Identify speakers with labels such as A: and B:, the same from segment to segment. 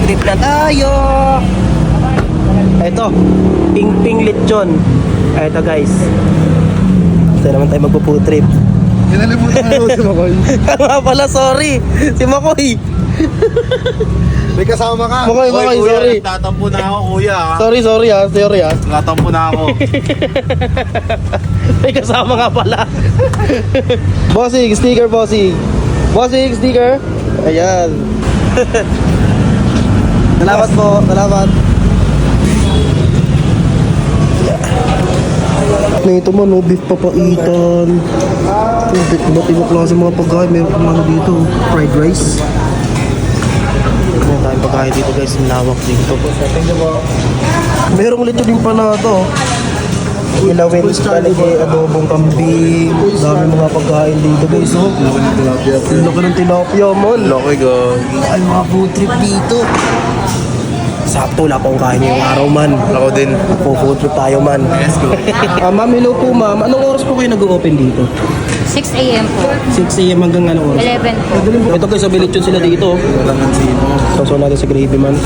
A: trip na tayo. Ito, ping lechon. Ito guys. Ito naman tayo magpo-food trip.
B: Kinalimutan na si Makoy.
A: Nga pala, sorry. Si Makoy.
B: May kasama ka.
A: Makoy, sorry.
C: Nagtatampo na ako, kuya.
A: Sorry ah.
C: Nagtatampo na ako.
A: May kasama nga pala. Bossing, sticker, bossing. Bossing, sticker. Ayan. Salamat po, salamat. Ito man, no, beef papaitan. Iba't ibang klase mga pagkain. Meron pa mga dito, fried rice. Meron tayong pagkain dito guys, malawak dito. Merong lechon din pa na ito. Ilawin, taligi, adobong kambing. Dami mga pagkain dito guys, oh. Laki ng tilapia, man.
C: Laki, go.
A: Ay, mga food trip dito. Sakto, wala akong kain ngayong araw, man.
C: Ako din.
A: Food trip tayo, man.
C: Let's go.
A: Ma'am, hello po, ma'am. Anong oras po kayo nag-open dito?
D: 6 a.m. po.
A: 6 a.m. hanggang anong oras?
D: 11 po.
A: Ito guys, sa lechon sila dito. Sausaw natin sa gravy, man.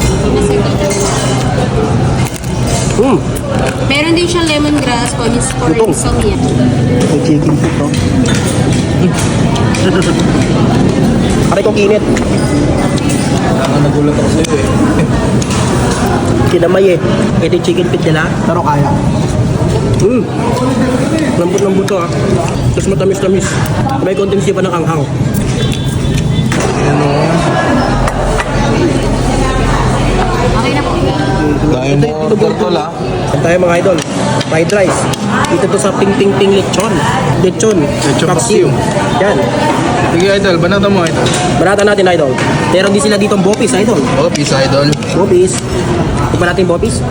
D: Meron din siyang lemongrass po. It's for
A: Lutong.
D: insomnia.
A: May chicken po to. Aray kong kinit.
C: Nagulat ako sa'yo eh.
A: Kinamay eh. Ito yung chicken feet nila. Pero kaya. Lambot-lambot to ah. Tapos matamis-tamis. May konting sipa ng anghang.
D: Okay na po.
C: Dahil mo turtle ah.
A: Yan tayo mga idol. Fried rice. Dito to sa ping lechon. Lechon. Paksiw. Yan.
C: Sige idol, banata mo idol.
A: Barata natin idol. Meron din sila dito ang bopis idol.
C: Oh, peace idol.
A: Bopis. Tikman natin yung bopis.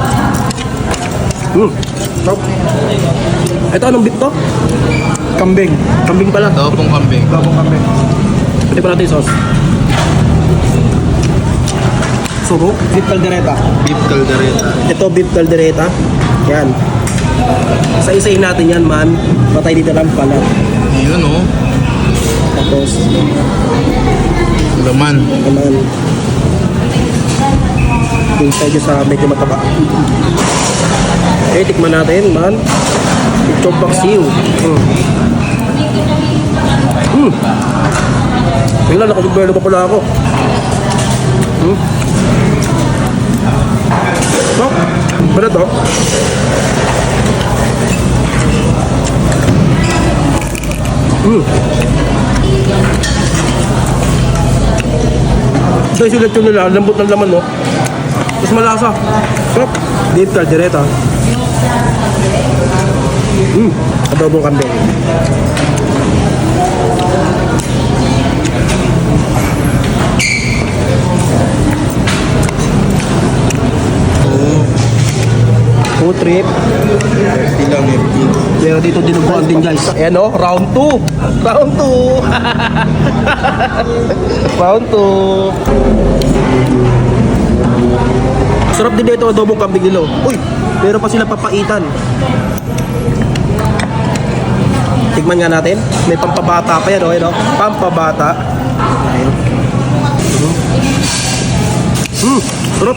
A: Sarap. Ito anong beef to?
B: Kambing.
A: Kambing pala.
C: Ito pong kambing.
B: Babong kambing.
A: Pati pa natin yung sauce. Surok. Beef caldereta.
C: Beef caldereta.
A: Ito beef caldereta. Yan. Isa-isayin natin yan man. Patay dito lang pala.
C: Yun oh.
A: Tapos,
C: Laman.
A: naman. Yung medyo sa medyo mataba. Okay, tikman natin man. Ichog paksiw. Tingnan, nakasubelo pa pala ako. Stop. Ano to? Ito yung lechon nila, lambot ng laman, no? Tapos malasa. Sarap. Beef caldereta. Adobong kambing. Food trip.
C: Empty lang, empty.
A: Pero dito dinuguan din guys. Ayan o, round 2. Round 2. Round 2. Sarap din dito adobong kambing nila. Uy, pero pa sila papaitan. Tigman nga natin. May pampabata pa yan o. Ayan o, pampabata. Ayun. Sarap.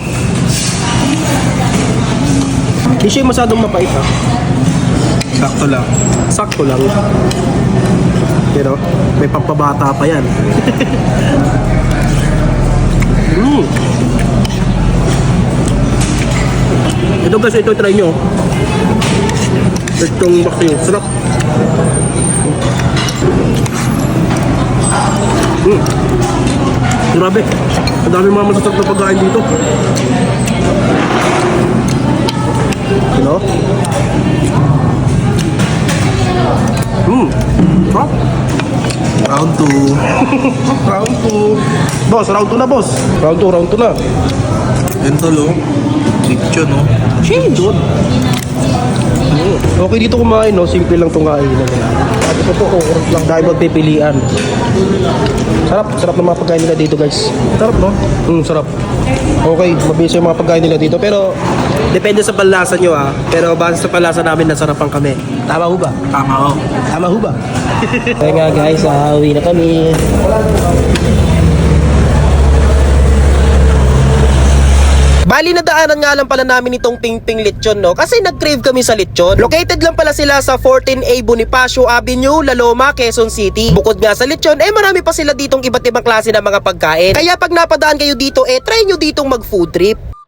A: Hindi siya masyadong mapait ha.
C: Sakto lang.
A: Sakto lang. Pero may pampabata pa yan. Ito guys, ito try nyo. Itong baksiyo. Sarap. Grabe. Ang dami mga masasarap na pagkain dito. You know? Sarap.
C: Round 2.
A: Round 2. Boss, round 2 na boss. Round 2 na.
C: Yan tolo. Lechon oh.
A: Change. Okay dito kumain, no? Simple lang itong kainan nila. At ito po, oras lang dahil magpipilian. Sarap ng mga pagkain nila dito, guys. Sarap, no? Sarap. Okay, mabilis yung mga pagkain nila dito. Pero, depende sa panlasa nyo, ha? Pero base sa panlasa namin, nasarapan kami. Tama ho ba?
C: Tama oh.
A: Tama ho ba? Kaya nga, guys, uwi na kami. Bali nadaanan nga lang pala namin itong Pingping Lechon, no? Kasi nag-crave kami sa lechon. Located lang pala sila sa 14A Bonifacio Avenue, La Loma, Quezon City. Bukod nga sa lechon, marami pa sila ditong iba't ibang klase ng mga pagkain. Kaya pag napadaan kayo dito, try nyo ditong mag food trip.